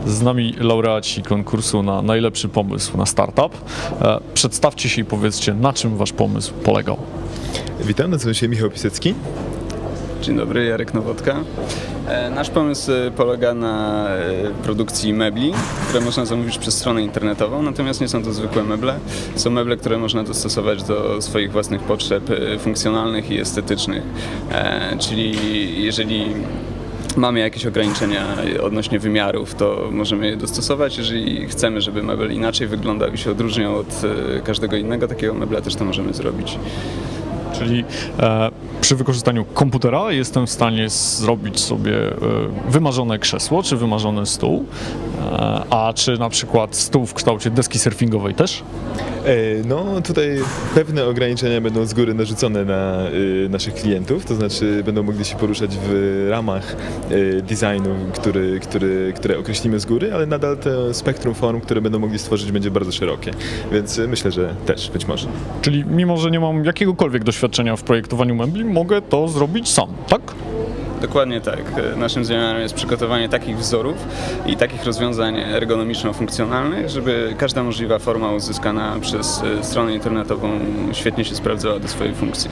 Z nami laureaci konkursu na najlepszy pomysł na startup. Przedstawcie się i powiedzcie, na czym wasz pomysł polegał. Witam, nazywam się Michał Pisecki. Dzień dobry, Jarek Nowodka. Nasz pomysł polega na produkcji mebli, które można zamówić przez stronę internetową, natomiast nie są to zwykłe meble. Są meble, które można dostosować do swoich własnych potrzeb funkcjonalnych i estetycznych. Czyli jeżeli mamy jakieś ograniczenia odnośnie wymiarów, to możemy je dostosować. Jeżeli chcemy, żeby mebel inaczej wyglądał i się odróżniał od każdego innego takiego mebla, też to możemy zrobić. Czyli przy wykorzystaniu komputera jestem w stanie zrobić sobie wymarzone krzesło czy wymarzony stół, a czy na przykład stół w kształcie deski surfingowej też? No tutaj pewne ograniczenia będą z góry narzucone na naszych klientów, to znaczy będą mogli się poruszać w ramach designu, które określimy z góry, ale nadal to spektrum form, które będą mogli stworzyć, będzie bardzo szerokie, więc myślę, że też być może. Czyli mimo, że nie mam jakiegokolwiek doświadczenia w projektowaniu mebli, mogę to zrobić sam, tak? Dokładnie tak. Naszym zamiarem jest przygotowanie takich wzorów i takich rozwiązań ergonomiczno-funkcjonalnych, żeby każda możliwa forma uzyskana przez stronę internetową świetnie się sprawdzała do swojej funkcji.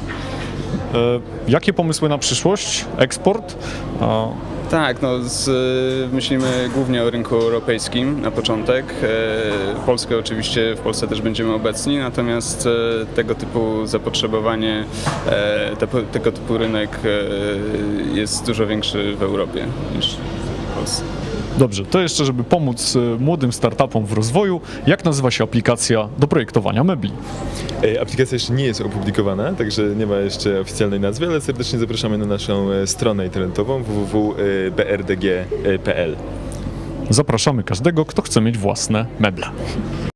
Jakie pomysły na przyszłość? Eksport? Tak, myślimy głównie o rynku europejskim na początek. Polskę oczywiście, w Polsce też będziemy obecni, natomiast tego typu zapotrzebowanie, tego typu rynek jest dużo większy w Europie niż w Polsce. Dobrze, to jeszcze, żeby pomóc młodym startupom w rozwoju, jak nazywa się aplikacja do projektowania mebli? Aplikacja jeszcze nie jest opublikowana, także nie ma jeszcze oficjalnej nazwy, ale serdecznie zapraszamy na naszą stronę internetową www.brdg.pl. Zapraszamy każdego, kto chce mieć własne meble.